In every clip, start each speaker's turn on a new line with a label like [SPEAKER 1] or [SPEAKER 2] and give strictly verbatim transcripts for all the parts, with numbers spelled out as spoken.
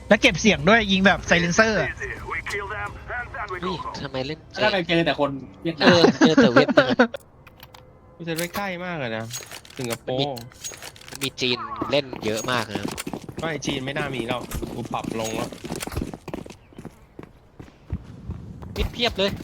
[SPEAKER 1] แล้วเก็บเสียงด้วยยิงแบบไซเลนเซอร์
[SPEAKER 2] นี่ทำไมเล่น
[SPEAKER 3] แล้วไปเจอแต่คนเวียด
[SPEAKER 2] เอ
[SPEAKER 3] นา
[SPEAKER 2] อ
[SPEAKER 3] ม
[SPEAKER 2] เจอแต่เวียดนาม
[SPEAKER 4] มันจะไม่ใกล้มากเลยนะสิงคโปร์
[SPEAKER 2] มันมีจีนเล่นเยอะมากนะครับ
[SPEAKER 4] ไม่จีนไม่น่ามีแล้วกูปรับลงแล้ว
[SPEAKER 2] มิดเพียบเลย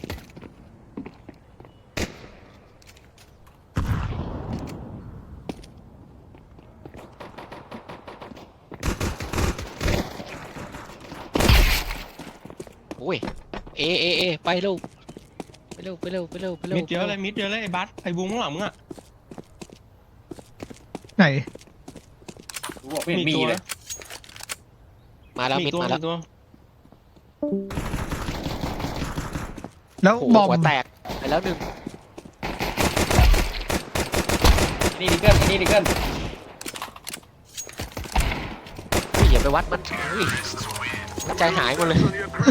[SPEAKER 2] โอ้ยเอเอเอไปเร็วไปเร็วไปเร็วไปเร็วไปเร็ว
[SPEAKER 4] มิดเยอะเลยมิดเยอะเลยไอ้บัสไอ้บูมข้างหลังมึงอ่ะ
[SPEAKER 1] ไหน
[SPEAKER 3] รู้บอกไม่เห็นมีเลย
[SPEAKER 2] มาแล้ว
[SPEAKER 4] มี
[SPEAKER 2] มิด
[SPEAKER 4] ตัว
[SPEAKER 2] มาแล้ว
[SPEAKER 4] มีตัว
[SPEAKER 1] แล้ว
[SPEAKER 2] โอ้โห
[SPEAKER 1] บอม
[SPEAKER 2] หัวแตกไปแล้วหนึ่ง
[SPEAKER 3] นี่ดิเกิลนี่ดิเกิล
[SPEAKER 2] อุ้ยอย่าไปวัดมันอุ้ยใจหายหมดเลย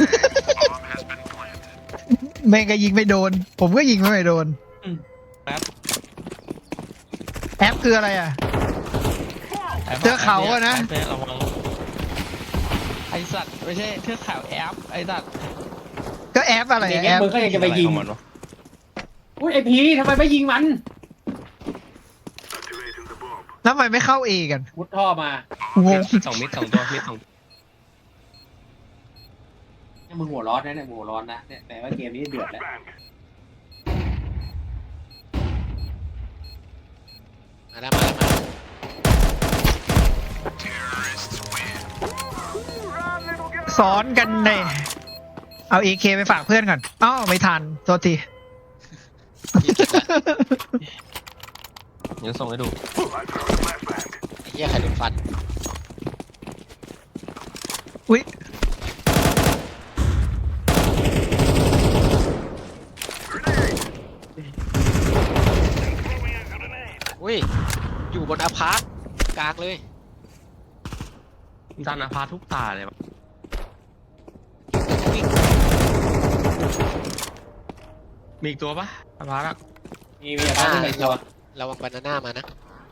[SPEAKER 1] แม่งก็ยิงไม่โดน ผมก็ยิงไม่โดน
[SPEAKER 4] แป๊บ
[SPEAKER 1] แอปคืออะไรอ่ะ
[SPEAKER 4] แป๊บ
[SPEAKER 1] เทือกเขาอะนะ
[SPEAKER 4] แป๊บเยระวังไอสัตว์ไม่ใช่เทือกเขาแอปไอสัตว์
[SPEAKER 1] ก็แอปอะไร
[SPEAKER 3] นี่
[SPEAKER 1] อะ
[SPEAKER 3] ไง
[SPEAKER 1] แอป
[SPEAKER 3] มึงก็ยังจะไปยิง
[SPEAKER 4] อะไรของมันวะ
[SPEAKER 3] อุ้ยไอพีทำไมไม่ยิงมัน
[SPEAKER 1] แล้วทำไมไม่เข้าเอกัน
[SPEAKER 3] มุดท่อมาง
[SPEAKER 1] ง
[SPEAKER 4] สองมิดสองตัวมิดสอง
[SPEAKER 3] เนี่ยมึงหัวร้อนนะเนี่ยมึงหัวร้อนนะเนี่ยแต่ว่าเกมนี้เดือดแล้ว
[SPEAKER 2] มาแล้วมาแล้วมาแล้ว
[SPEAKER 1] ซ้อนกันเลยเอาเอเคไปฝากเพื่อนก่อนอ้าวไม่ทันโทษที
[SPEAKER 4] เดี๋ยวส่งให้ดู
[SPEAKER 2] ไอ้เหี้ยใครโดนฟัน
[SPEAKER 1] อุ้ย
[SPEAKER 2] อุ้ยอยู่บนอาพาร์ตกลางเลย
[SPEAKER 4] จันอาพาทุกตาเลยวะ
[SPEAKER 2] วิ่ง
[SPEAKER 4] มีอีกตัวปะอาพาละ
[SPEAKER 3] มีมีอะไรบ้างที่ไหนตัว
[SPEAKER 2] ระวังบานาน่ามานะ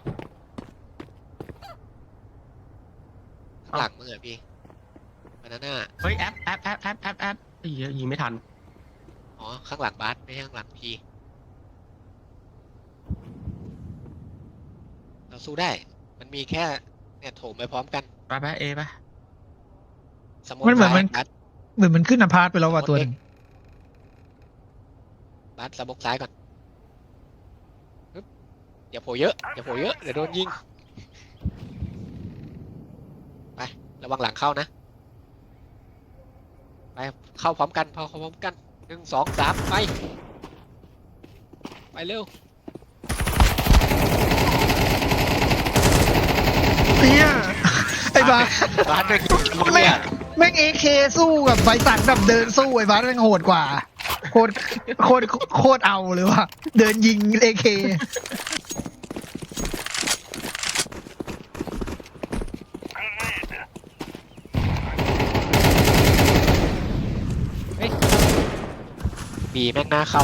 [SPEAKER 2] ข้างหลังมึงเหรอพี่บานาน่า
[SPEAKER 4] เฮ้ยแอปแอปแอปแอปแอปแอปไอ้เหี้ยยิงไม่ทัน
[SPEAKER 2] อ๋อข้างหลังบาสไม่ใช่ข้างหลังพี่เราสู้ได้ มันมีแค่เนี่ยโถมไปพร้อมกัน
[SPEAKER 4] ไปไปเอไป
[SPEAKER 2] สมมติ
[SPEAKER 1] มันเหมือนมัน
[SPEAKER 2] บาส
[SPEAKER 1] เหมือนมันขึ้นอพาร์ตไปแล้วว่ะตัวหนึง
[SPEAKER 2] บาสสมกซ้ายก่อนปึ๊บอย่าโผล่เยอะอย่าโผล่เยอะเดี๋ยวโดนยิงไประวังหลังเข้านะไปเข้าพร้อมกันพอเข้าพร้อมกันหนึ่งสองสามไปไปเร็ว
[SPEAKER 1] เนี่ยไอ้บาส
[SPEAKER 2] บาสด้วย
[SPEAKER 1] แม่งแม่งเอเคสู้กับไบสันแบบเดินสู้ไอ้บาสแม่งโหดกว่าโคตรโคตรโคตรเอาเลยว่ะเดินยิงเอเค
[SPEAKER 2] บีแม่งหน้าเข้า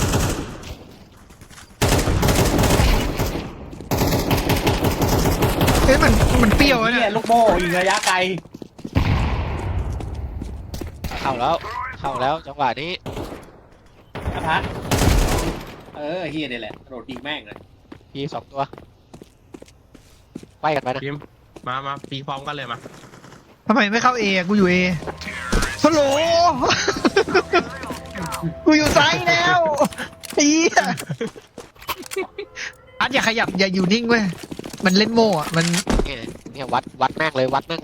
[SPEAKER 1] เอ้ยมันมันเปรี้ยวอะ
[SPEAKER 3] เนี่
[SPEAKER 1] เนี่ย ย
[SPEAKER 3] ลูกโม่ยิงระยะไกล
[SPEAKER 2] เข้าแล้วเข้าแล้วจังหวะนี้
[SPEAKER 3] อพัทเออเฮียนี่แหละกระโดดยิงแม่งเลย
[SPEAKER 2] บีสองตัวไปกันไปนะ
[SPEAKER 4] พิมมามาปีพร้อมกันเลยมา
[SPEAKER 1] ทำไมไม่เข้าเอะกูอยู่เอฮัลโหล กูอยู่ซ้ายแล้วไอ้เหี้ยอัดอย่าขยับอย่าอยู่นิ่งเว้ยมันเล่นโม่อะมัน
[SPEAKER 2] เนี่ยเนี่ยวัดวัดแม่งเลยวัดแม่งเลย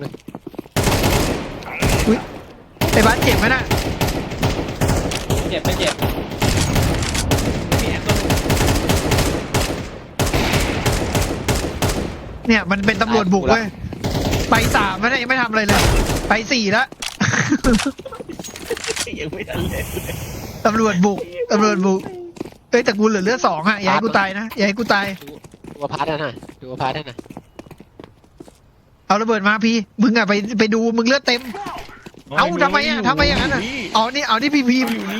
[SPEAKER 1] ไอ้บ้านเจ็บไหมน่ะ
[SPEAKER 3] เจ็บไม่เจ็บ
[SPEAKER 4] มีแอปตัวหนึง
[SPEAKER 1] เนี่ยมันเป็นตำรวจบุกเว้ยไปสามแล้วเนี่ยยังไม่ทำอะไรเลย ไปสี่แล้ว
[SPEAKER 4] ยังไม่ทันเลย
[SPEAKER 1] ตำรวจบุกตำรวจบุกเอ้ยแต่กูเหลือเลือดสองอะอย่าให้กูตายนะอย่าให้กูตาย
[SPEAKER 2] ดูอพาร์ตนั่นน่ะดูอพาร์ตนั่นน่ะ
[SPEAKER 1] เอาระเบิดมาพี่มึงอะไปไปดูมึงเลือดเต็ม เอ้าทำไมอะทำไมอย่างนั้นอะ อ๋อนี่เอานี่พี่พีม
[SPEAKER 4] อยู่นี่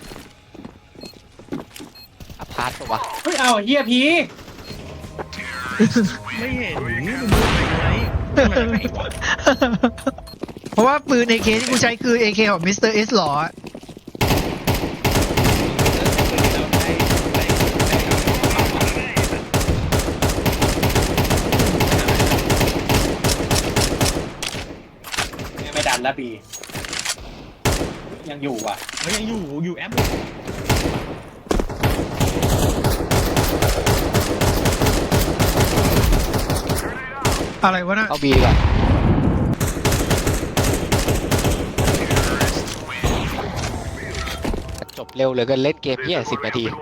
[SPEAKER 2] อพาร์ตปะวะ
[SPEAKER 3] เฮ้ยเอาเฮียพี
[SPEAKER 4] ไม่เห็นนี่มันดูไหนไหนไหนวะ
[SPEAKER 1] เพราะว่าปืน เอ เค ที่กูใช้คือ เอ เค ของมิสเตอร์เอสหรอ
[SPEAKER 3] ไม่ดันแล้วบียังอยู่อ่ะ
[SPEAKER 4] มันยังอยู่อยู่แอป
[SPEAKER 1] อะไรวะน่ะ
[SPEAKER 2] เข้าบีก่อนจบเร็วเหลยก็เล่นเกมเหี้ยสิบนาที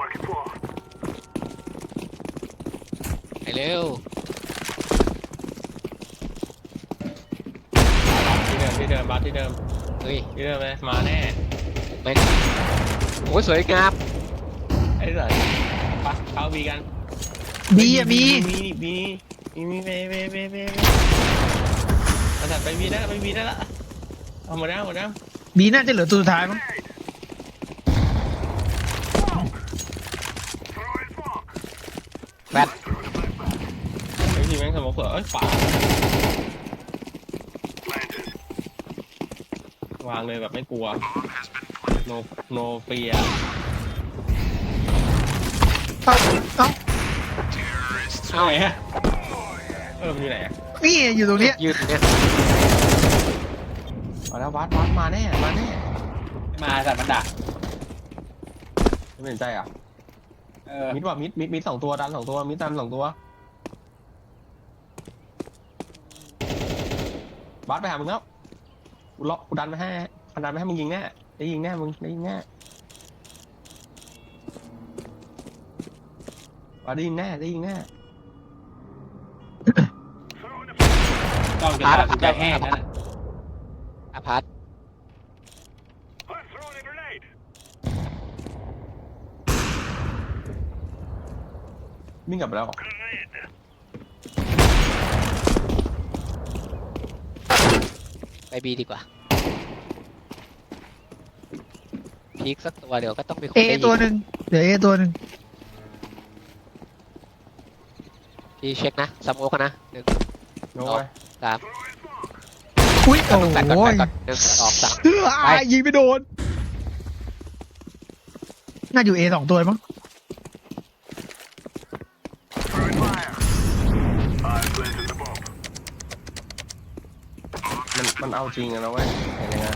[SPEAKER 2] ไปเร็ว
[SPEAKER 4] ที่เดิมที่เดิมบัสที่เดิม
[SPEAKER 2] เฮ้ย
[SPEAKER 4] ที่เดิมเลยมาแน่
[SPEAKER 2] แม่งโอ้ยสวยงาม
[SPEAKER 4] ไอ้สัสปะเข้าวีกัน
[SPEAKER 1] บีอะมี
[SPEAKER 4] มีมีมีมีเบเบเบเบไอ้สัสไปวีได้ไปวีได้ละเอาหมดแล้วหมดแล้ว
[SPEAKER 1] บีน่าจะเหลือตัวสุดท้ายมั้ง
[SPEAKER 2] แบท
[SPEAKER 4] ไอ้ทีแม่งสมองเสือเอ้ยฝาวางเลยแบบไม่กลัวโนโนเฟีย
[SPEAKER 1] เอ้าเอ้า
[SPEAKER 3] เอาไงฮะ
[SPEAKER 4] เออมันอยู่ไหนอะ
[SPEAKER 1] นี่อยู่ตรงเนี้ย
[SPEAKER 2] ยืนอยู่เนี่ย
[SPEAKER 4] มาแล้ววัดวัดมาแน่มาแน่
[SPEAKER 3] มาแต่มันดัก
[SPEAKER 4] ไม่เป็นใจอ่ะ
[SPEAKER 3] เออ
[SPEAKER 4] มิดว่ะมิดมิดมิดสองตัวดันสองตัวมิดดันสองตัวบัสไปหามึงแล้วกูล็อกกูดันไปให้กูดันไปให้มึงยิงแน่ได้ยิงแน่มึงได้ยิงแน่บัสได้ยิงแน่ได้ยิงแน่
[SPEAKER 3] ต้องจะดักจะแห้งนั่นแหละ
[SPEAKER 2] อพาร์ต
[SPEAKER 4] วิ่งกลับไปแล้วเหรอ
[SPEAKER 2] ไปบีดีกว่าพีคสักตัวเดี๋ยวก็ต้องมีคน
[SPEAKER 1] เอ
[SPEAKER 2] ได้ยิง
[SPEAKER 1] ตัวหนึ่งเดี๋ยวเอตัวหนึ่ง
[SPEAKER 2] พี่เช็คนะสโมกนะหนึ่ง
[SPEAKER 4] โน้ย
[SPEAKER 2] สาม
[SPEAKER 1] อุ้ยโอ้
[SPEAKER 2] แปดก่อนแป
[SPEAKER 1] ย
[SPEAKER 2] ดก่อนหนึ่งสองสาม
[SPEAKER 1] เฮ้ยยิงไม่โดน น่าอยู่เอสองตัวมั้ง
[SPEAKER 4] มันมันเอาจริงอะนะเว้ยเห็นยังไง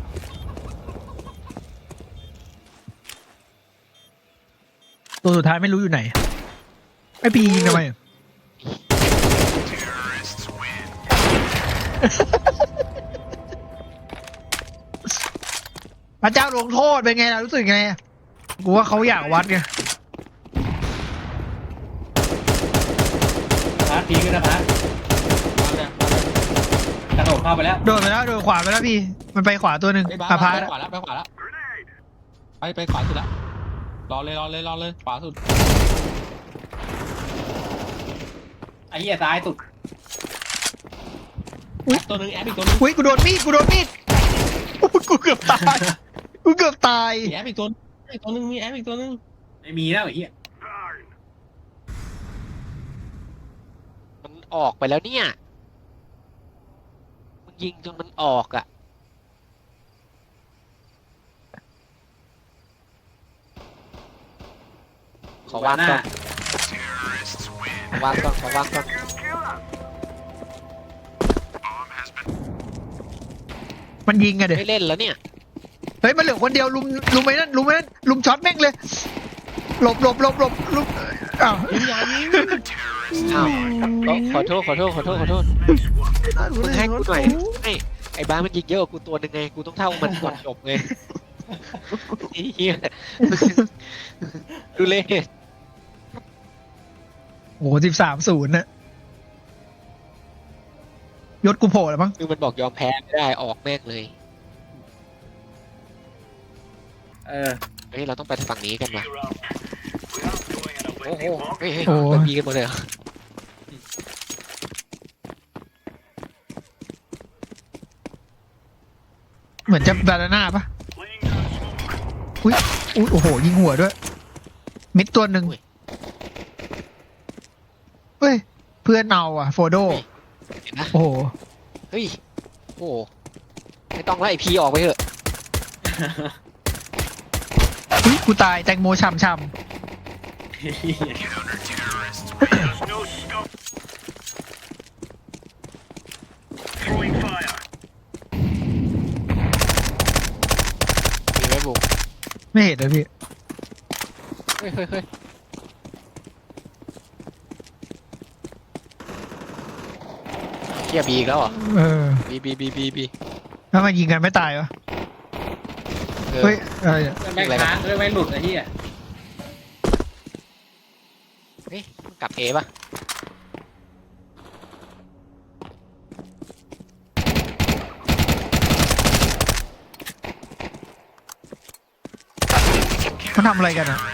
[SPEAKER 1] ตัวสุดท้ายไม่รู้อยู่ไหนไอพียิงทำไมอะพระเจ้าลงโทษเป็นไงล่ะรู้สึกไงอะกูว่าเขาอยากวัดไง
[SPEAKER 3] พาร์ทพีก็นะพาร์ท
[SPEAKER 4] บ้านเนี่ยบ้านเนี่ย
[SPEAKER 3] กระโดดเข้าไปแล้ว
[SPEAKER 1] โดดไปแล้วโดดขวาไปแล้วพี่ มันไปขวาตัวหนึ่ง
[SPEAKER 4] ไอ้บ้า
[SPEAKER 1] อาพา
[SPEAKER 4] ไป
[SPEAKER 1] ร์ต
[SPEAKER 4] ขวาแล้วไปขวาแล้วไปไปขวาสุดแล้วรอเลยรอเลยรอเลยขวาสุด
[SPEAKER 3] ไอ้เหี้ยซ้ายสุด
[SPEAKER 4] แอปตัวหนึงแอปอีกตัวหนึง
[SPEAKER 1] อุ้ยกูโดนมีดกูโดนมีดอุ๊ยกูเกือบตายกูเกือบตาย
[SPEAKER 4] มีแอปอีกตัวนึงอีกตัวหนึงมีแอปอีกตัวหนึง
[SPEAKER 3] ไม่มีแล้วไอ้เหี้ย
[SPEAKER 2] มันออกไปแล้วเนี่ยมึงยิงจนมันออกอ่ะขอวาง
[SPEAKER 3] หน้า
[SPEAKER 2] ก่อนขอวางก่อนขอวางก่อน
[SPEAKER 1] มันยิงอะเด็
[SPEAKER 2] ไม่เล่นแล้วเนี่ย
[SPEAKER 1] เฮ้ยมันเหลือคนเดียวลุมลุมไอ้นั่นลุมไอ้นั่นลุมช็อตแม่งเลยหลบหลบหลบหลบลุมอ้าว
[SPEAKER 4] ยิงยายิง
[SPEAKER 2] อ้าวขอโทษขอโทษขอโทษขอโทษมึงให้กูหน่อยไอ้ไอ้บ้ามันยิงเยอะกว่ากูตัวหนึ่งไงกูต้องเท่ามันก่อนจบไงไอ้เหี้ยดูเล่
[SPEAKER 1] โอ้สิบสามศูนย์น่ะยศกูโผล่แล้วมั้ง
[SPEAKER 2] คือมันบอกยอมแพ้ไม่ได้ออกแม่งเลย
[SPEAKER 3] เออ
[SPEAKER 2] เฮ้ยเราต้องไปฝั่งนี้กันว่ะโอ้โหเฮ้ยเฮ้ยเราบีกันหมดเลยเหรอ
[SPEAKER 1] เหมือนจะบานาน่าปะอุ้ยอุ้ยโอ้โหยิงหัวด้วยมิดตัวหนึ่งเฮ้ยเพื่อนเอาอ่ะโฟโด
[SPEAKER 2] เห็นนะ
[SPEAKER 1] โอ้โห
[SPEAKER 2] เฮ้ยโอ้ไม่ต้องไล่พีออกไปเถอะ
[SPEAKER 1] อุ๊ยกูตายแตงโมช่ำช่
[SPEAKER 2] มีไหมบุ๋ม
[SPEAKER 1] ำไม่เห็นเลยพี่
[SPEAKER 2] เฮ้ยเฮ้ยเฮ้ยเทียบีอีกแล้วเหรอ
[SPEAKER 1] เออ
[SPEAKER 2] บีบีบีบีบี
[SPEAKER 1] แล้วมันยิงกันไม่ตายวะ
[SPEAKER 2] เออ
[SPEAKER 1] เฮ้ยอะไรอะ
[SPEAKER 3] แม่งค้างเลยไม่หลุดไอ้เหี้ย
[SPEAKER 2] เฮ้ยมันกลับเอป่ะ
[SPEAKER 1] มันทำอะไรกันอ่ะ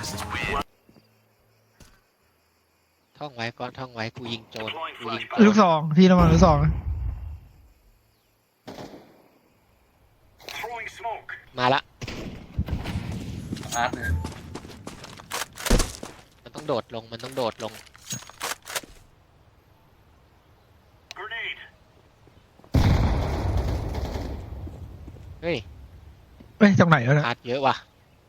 [SPEAKER 2] ท่องไว้ก่อนท่องไว้กูยิงโจรกูยิงโจ
[SPEAKER 1] ลู
[SPEAKER 2] ร
[SPEAKER 1] กซองพี่ระวังลูกซองนะ
[SPEAKER 2] มาละ
[SPEAKER 3] พาร์ทเนี่ย
[SPEAKER 2] มันต้องโดดลงมันต้องโดดลงเฮ้ย
[SPEAKER 1] เอ้ยตรงไหนวะเนี่ย
[SPEAKER 2] พาดเยอะว่ะ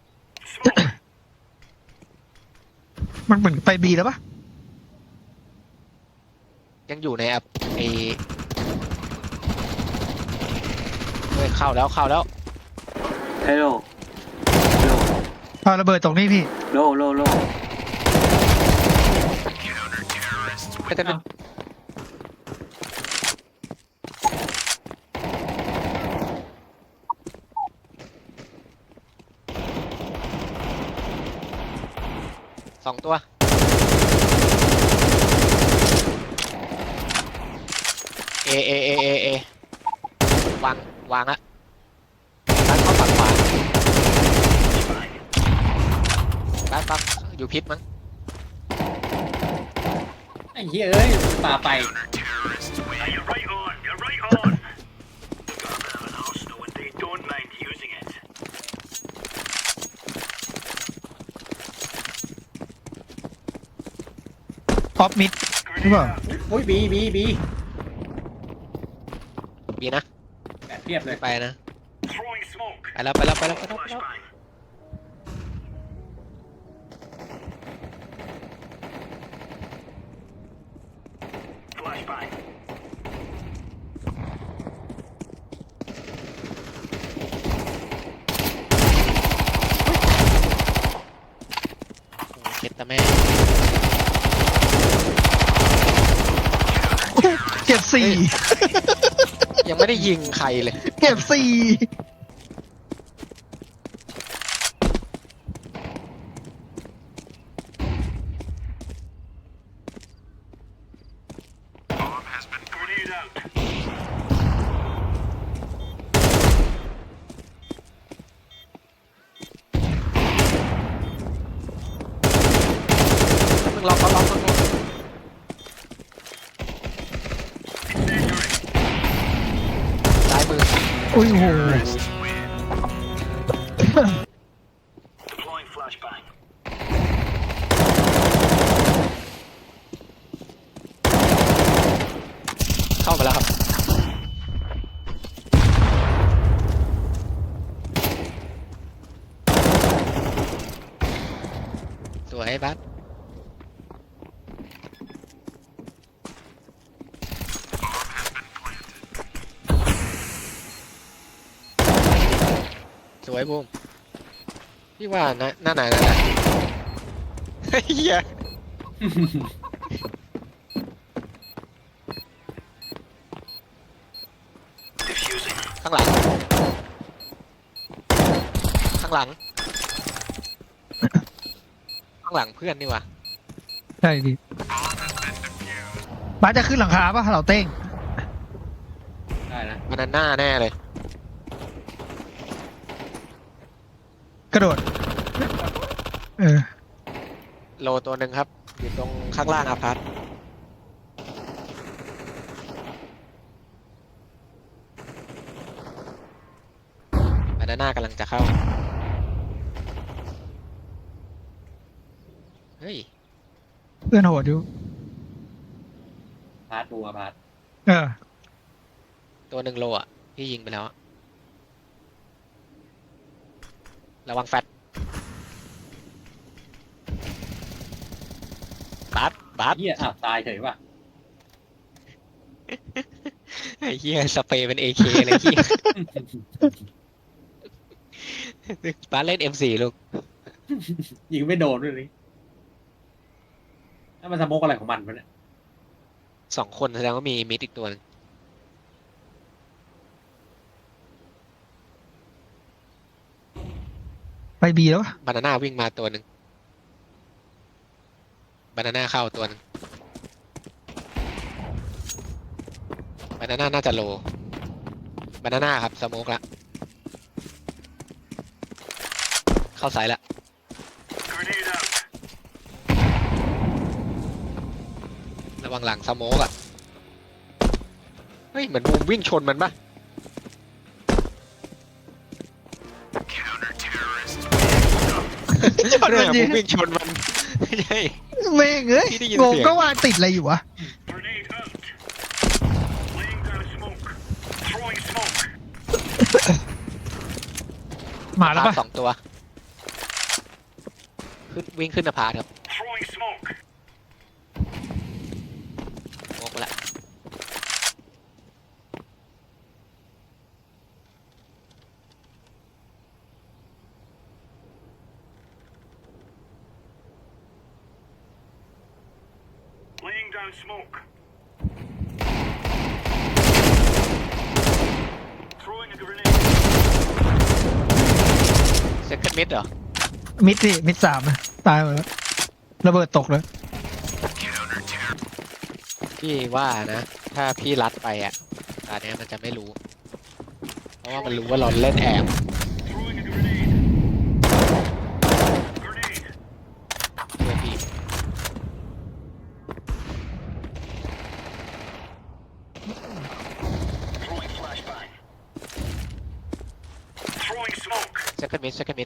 [SPEAKER 1] มันเหมือนไปบีแล้วปะ
[SPEAKER 2] ยังอยู่ในแอปไอเฮ้ยเข้าแล้วเข้าแล้ว
[SPEAKER 5] Hello. Hello.
[SPEAKER 1] เอาระเบิดตรงนี้พี่
[SPEAKER 5] Low, low, low.
[SPEAKER 2] ไม่แต่เป็นสองตัวเอเอเอเอเอวางวางละร้านเขาฝั่งขวาร้านฝั่งอยู่พิษมั้ง
[SPEAKER 3] ไอ้เหี้ยเอ้ยป่าไป
[SPEAKER 1] ออฟมิดหรือเปล่า
[SPEAKER 3] อุ้ยบีบีบี
[SPEAKER 2] บีนะ
[SPEAKER 3] แบบเทียบเลย
[SPEAKER 2] ไปนะไปแล้วไปแล้วไปแล้วไปแล้วไปแล้ว โอ้เช็ดตาแม่
[SPEAKER 1] เก็บสี่
[SPEAKER 2] ยังไม่ได้ยิงใครเลย
[SPEAKER 1] เก็บสี่
[SPEAKER 2] มึงล็อกเขาล็อกมึงล็อกซ้ายมือ
[SPEAKER 1] อุ้ยโห
[SPEAKER 2] เข้ามาแล้วครับ สวยบัสสวยบูมพี่ว่านะหน้าไหนนะเฮ้ยเหี้ยข้างหลัง ข้างหลัง ข้างหลังเพื่อนนี่วะ
[SPEAKER 1] ใช่ดิบ้านจะขึ้นหลังคาปะเราเต้ง
[SPEAKER 3] ได้นะ
[SPEAKER 2] บานาน่าแน่เลย
[SPEAKER 1] กระโดด เออ
[SPEAKER 2] โลตัวหนึ่งครับ อยู่ตรงข้างล่างอาพาร์ตบานาน่ากำลังจะเข้า เฮ้ย
[SPEAKER 1] เพื่อนโหดอยู่
[SPEAKER 3] พาร์ทดูอะพาร์ท
[SPEAKER 1] เออ
[SPEAKER 2] ตัวหนึ่งโลอ่ะพี่ยิงไปแล้วอะระวังแฟตบัสบัส
[SPEAKER 3] เฮียอ้าวตายเฉยว่ะ
[SPEAKER 2] ไอ้เหี้ยสเปรย์เป็นเอเคเลยเหี้ยบัสเล่นเอ็มสี่ลูก
[SPEAKER 3] ยิงไม่โดนด้วยนี่ถ้ามันสโมกอะไรของมันวะเนี่ย
[SPEAKER 2] สองคนแสดงว่ามีมิดอีกตัวหนึง
[SPEAKER 1] ไปบีแล้วปะ
[SPEAKER 2] บานาน่าวิ่งมาตัวหนึ่งบานาน่าเข้าตัวหนึ่งบานาน่าน่าจะโลบานาน่าครับสโมกละเข้าสายละระวังหลังสโมกอ่ะเฮ้ยเหมือนบูมวิ่งชนมันปะ
[SPEAKER 1] จอด
[SPEAKER 2] เรื่
[SPEAKER 1] มั
[SPEAKER 2] อน ง
[SPEAKER 1] ยิ
[SPEAKER 2] บู
[SPEAKER 1] ง
[SPEAKER 2] มวิ่งชนมันไม่ใช่
[SPEAKER 1] แม่งเอ้ย
[SPEAKER 2] พี่ได้ยิน
[SPEAKER 1] งง
[SPEAKER 2] เสียง
[SPEAKER 1] ก็ว่าติดอะไรอยู่วะ มาแล้วปะ
[SPEAKER 2] สองตัวขึ้นวิ่งขึ้นนภาครับโมกละ
[SPEAKER 6] Laying down smoke. Throwing a grenade.
[SPEAKER 2] เซ็คันด์มิดเหรอ
[SPEAKER 1] มิดสิมิดสามอะตายหมดแล้วระเบิดตกเลย
[SPEAKER 2] พี่ว่านะ ถ้าพี่รัดไปอ่ะตอนนี้ยมันจะไม่รู้ เพราะว่ามันรู้ว่าเราเล่นแอบ
[SPEAKER 6] Throwing a grenade. Grenade.
[SPEAKER 2] เพื่อพี่
[SPEAKER 6] Throwing flashbang. Throwing smoke.
[SPEAKER 2] เซ็คันด์มิดเซ็คันด์มิด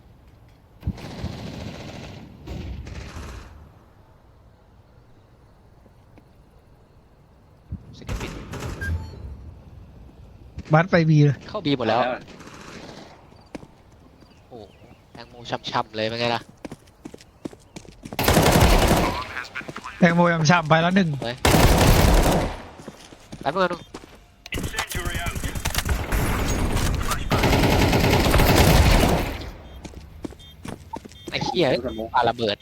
[SPEAKER 2] เซ็คันด์มิด
[SPEAKER 1] บัสไปบีเลย
[SPEAKER 2] เข้าบีหมดแล้ว โอ้โหแตงโมช่ำๆเลยเป็นไงล่ะ
[SPEAKER 1] แตงโมยำช่ำไปแล้วหนึ่ง
[SPEAKER 2] แป๊บนึงนะ
[SPEAKER 6] Incendiary out.
[SPEAKER 2] ไอ้เหี้ย
[SPEAKER 3] สโมก
[SPEAKER 2] ปาระเบิด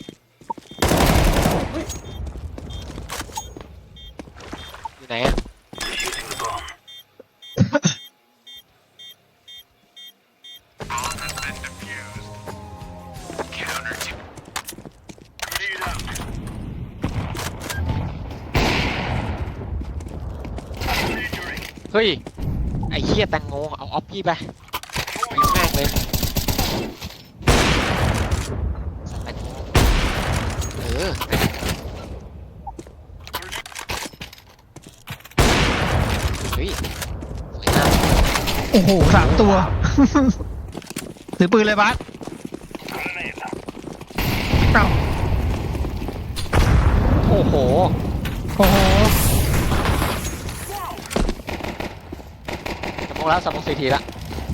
[SPEAKER 2] อยู่ไหนอะ
[SPEAKER 6] Defusing the bomb. Bomb has been defused. Counter to. Grenade out. Incendiary.
[SPEAKER 2] เฮ้ย ไอ้เหี้ยแตงโมเอาออฟพี่ไปยิงแม่งเลยแตงโมเออเฮ้ยสวยงาม
[SPEAKER 1] โอ้โหสามตัว ถือปืนเลยบัส
[SPEAKER 6] Grenade.
[SPEAKER 1] เอ้า
[SPEAKER 2] โอ้โห
[SPEAKER 1] โอ้โห
[SPEAKER 2] สมองแล้วสมองสี่ทีละ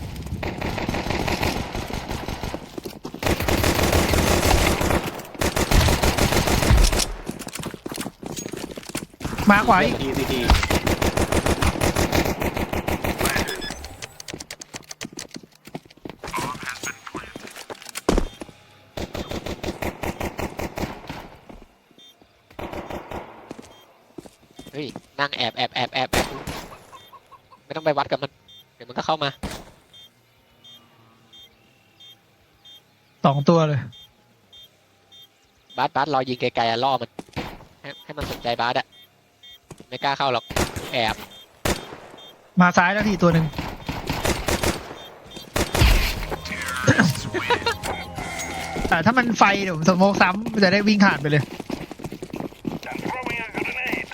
[SPEAKER 1] มาขวาอีก
[SPEAKER 3] ดีดีดี
[SPEAKER 2] เฮ้ย นั่งแอบแอบแอบแอบแอบดูไม่ต้องไปวัดกับมัน เดี๋ยวมันก็เข้ามา
[SPEAKER 1] สองตัวเลย
[SPEAKER 2] บาสบาสรอยิงไกลๆอะล่อมัน ให้ให้มันสนใจบาสอะไม่กล้าเข้าหรอก แอบ
[SPEAKER 1] มาซ้ายแล้วทีตัวหนึ่ง แต่ถ้ามันไฟเดี๋ยวผมสโมกซ้ำมันจะได้วิ่งผ่านไปเลย
[SPEAKER 6] I'm throwing a grenade.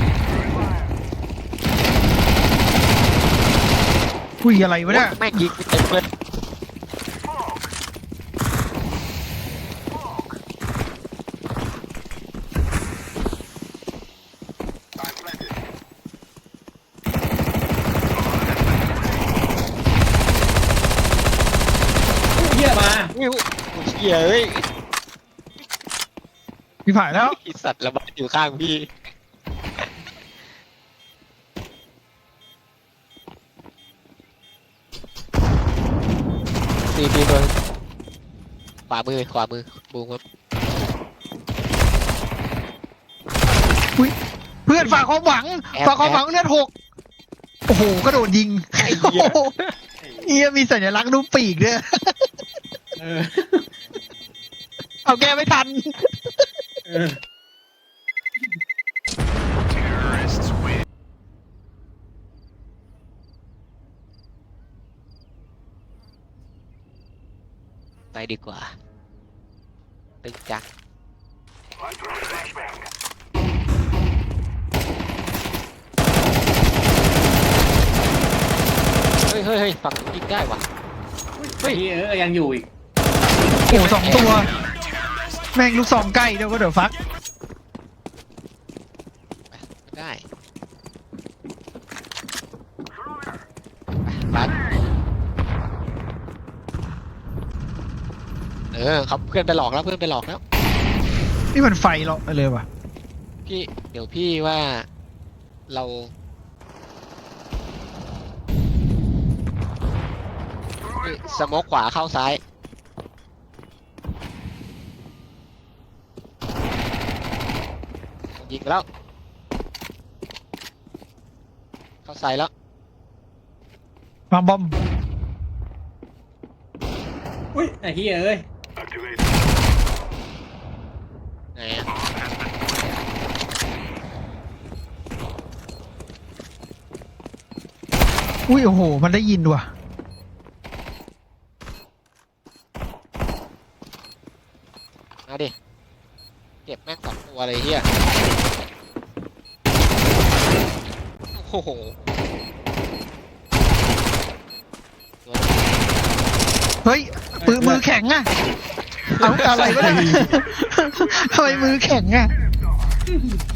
[SPEAKER 1] คุยอะไรวะเนี่ย
[SPEAKER 2] แม่งยิงเต็มเลย
[SPEAKER 6] I'm planted.
[SPEAKER 2] เหี้ยเอ้ย
[SPEAKER 1] พี่ผ่านแล้ว
[SPEAKER 2] ไอ้สัตว์ระบาดอยู่ข้างพี่ตีตีตัวขวามือขวามือบูมครับ
[SPEAKER 1] เพื่อนฝากความหวัง
[SPEAKER 2] แอบ
[SPEAKER 1] ฝากความหวังเลือดหกโอ้โหกระโดดยิง
[SPEAKER 2] ไอ้เหี้ย
[SPEAKER 1] โอ้โหเฮียมีสัญลักษณ์รูปปีกด้วย
[SPEAKER 3] เออ
[SPEAKER 1] เอาแก้ไม่ทัน
[SPEAKER 3] เออ
[SPEAKER 6] Terrorists win.
[SPEAKER 2] ไปดีกว่าตึงจัง
[SPEAKER 6] I'm throwing a flashbang.
[SPEAKER 2] เฮ้ยเฮ้ยเฮ้ยฝั่งนู้นยิงได้ว่ะ
[SPEAKER 3] เฮ้ยเออยังอยู่อีก
[SPEAKER 1] โอ้โหสองตัว แม่งลูกสองใกล้เดี๋ยวก็เดี๋ยวฟัก
[SPEAKER 2] ไม่ได้ไปรัดเออครับเพื่อนไปหลอกแล้วเพื่อนไปหลอกแล้ว
[SPEAKER 1] นี่มันไฟเหรอเลยว่ะ
[SPEAKER 2] พี่เดี๋ยวพี่ว่าเรานี่สโมกขวาเข้าซ้ายยิงไปแล้วเข้าซ้ายแล้ว
[SPEAKER 1] วางบอม
[SPEAKER 3] อุ้ยไอ้เฮียเอ้ย
[SPEAKER 6] Activate.
[SPEAKER 2] ไหนอะ
[SPEAKER 1] อุ้ยโอ้โห มันได้ยินว่ะ
[SPEAKER 2] มาดิเก็บแม่งสองตัวเลยเฮียโอ้โหตัว
[SPEAKER 1] เฮ้ยปืนมือแข็งอะเอาอะไรวะเนี่ย ทำไมมือแข็งอะ